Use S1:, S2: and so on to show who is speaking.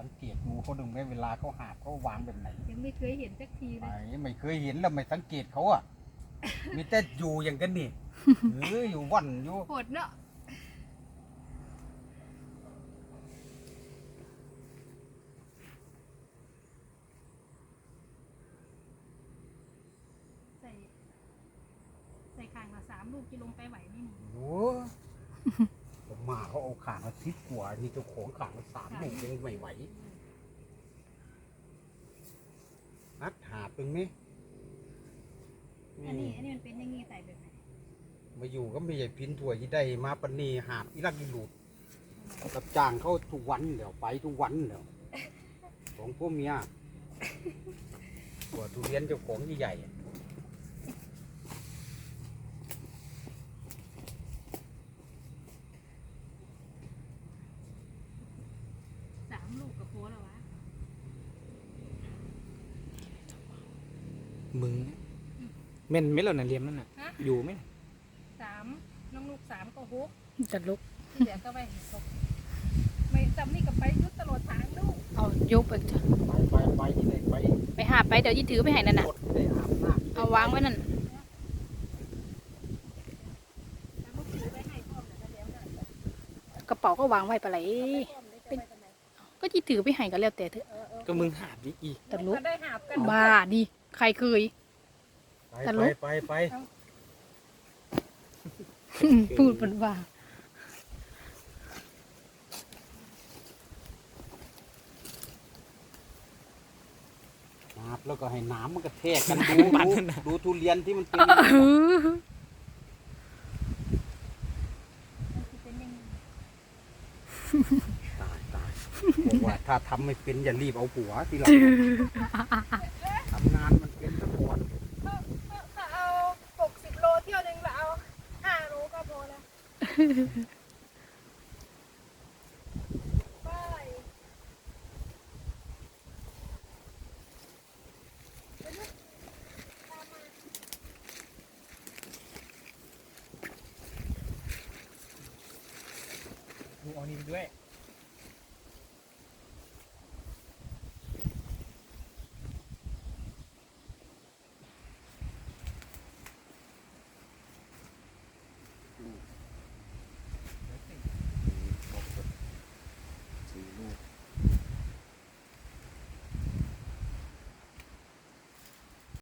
S1: สังเกตดูเขาดึงได้เวลาเขาหาบเขาวางแบบไหน
S2: ยังไม่เคยเห็นสักทีเลย
S1: ไม่เคยเห็นแล้วไม่สังเกตเขาอ่ะ มีแต่อยู่อย่างกันนี่อยู่วันอยู่
S2: โหดเนาะใส่ข่างละ3 ลูกจะลงไปไหวไหมนี่
S1: โอ้ผมมาเขาเอาขางมา10 กว่านี่เจ้าของขางมา3 ลูกยังไม่ไหวนัดหาเป็นไหม
S2: อันนี้มันเป็นอย่างงี้ใส่แบบไหน
S1: มาอยู่ก็ไม่ใช่พินถั่วที่ได้มาปนีหาบอีรักอีหลุดรับจ้างเขาทุกวันเดี๋ยวไปทุกวันเดี๋ยวของพวกเมียตัวทุเรียนเจ้าของใหญ่
S2: 3 ลูกกับโพแล้ววะ
S3: มึงเม่นไม่เหล่าน่ะเลียมนั่นน่ะอยู่ไหม
S2: 3น้องลูก3ก็6
S4: จะลุก
S2: ที่เหลือก็ไป6ไม่จำนี่กับไปยุดตลอดทางลูก
S4: เอายกไปจ้ะ
S1: ไปที่ไหนไป
S4: ไปหาไปเดี๋ยวยี่ถือไปให้นั่นน่ะ
S1: กดได้อาบน้ำ
S4: เอาวางไว้นั่น
S2: แล้วลูกถือไปให้พ่อมแล้วเดี๋ยวน่ะ
S4: กระเป๋าก็วางไว้ปะไหลก็ยี่ถือไปให้ก็แล้วแต่เถอะ
S3: ก็มึงหาบดิอี
S4: ตลุก
S2: ก็ได้หาบกัน
S4: บ้าดิใครเคย ตลก
S1: ไป
S4: พูดเป็นว่า
S1: อาบแล้วก็ให้น้ำมันกระแทกกันดูทุเรียนที่มันเป็น
S2: เป็นยังไง
S1: ตายบอกว่าถ้าทำไม่เป็นอย่ารีบเอาผัวทีหลังทำงานมันเป็นตะกอน
S2: ถ้าเอา60 โลเที่ยวหนึ่งเราเอา5 โลก็พอแล้วไป
S3: มึงเอานี่ไปด้วย